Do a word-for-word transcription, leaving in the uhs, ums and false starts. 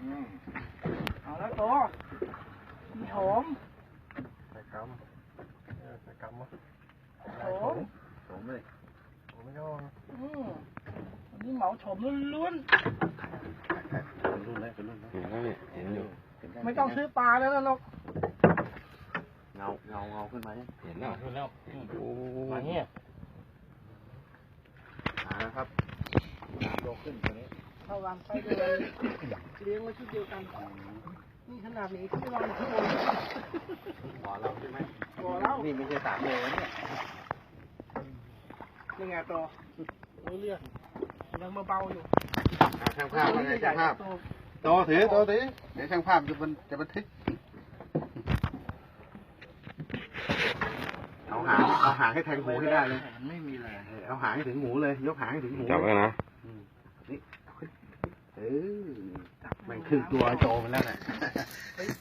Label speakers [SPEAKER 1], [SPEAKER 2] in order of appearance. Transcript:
[SPEAKER 1] เอาแล้วตัวมีหอม
[SPEAKER 2] ใส่กำใส่กำมั้ง
[SPEAKER 1] หอม
[SPEAKER 2] หอมเลยหอมไม่ยอม
[SPEAKER 1] อืมอันนี้เหมาโฉมล้วน
[SPEAKER 2] เป็นรุ่นเลยเป็นรุ่นเลยเห็นแล้วเนี่ยเห็นอยู่
[SPEAKER 1] ๆไม่ต้องซื้อปลาแล้วนะลูก
[SPEAKER 2] เงาเงาเงาขึ้นมาเนี่ยเห็นแล้ว
[SPEAKER 3] ขึ้นแล้ว
[SPEAKER 2] โอ้
[SPEAKER 3] มาเนี่ย
[SPEAKER 2] หาแล้วครับโตขึ้นตัวนี้
[SPEAKER 1] เข้าวางไปเดินเลี้ยงไว้ชุดเดียวกันนี่ขนาดนี้เขาไม่วางข้างบน
[SPEAKER 2] บ่อเราใช่ไหม
[SPEAKER 1] บ่อเรา
[SPEAKER 2] นี่ไม่ใช่สามโลเนี่ย
[SPEAKER 1] นี่ไงตัวรู้เรื่องยังเบาๆอยู่
[SPEAKER 2] ช่างภาพอะไรช่างภาพโตถือโตถือเดี๋ยวช่างภาพจะมันจะบันทึกเอาหางเอาหางให้แทงหูให้ได้เลย
[SPEAKER 1] ไม่มีเลย
[SPEAKER 2] เอาหางให้ถึงหูเลยยกหางให้ถึงหู
[SPEAKER 3] จับไว้นะ
[SPEAKER 2] นี่เออมันครึ่งตัวโตมันแล้วน่ะ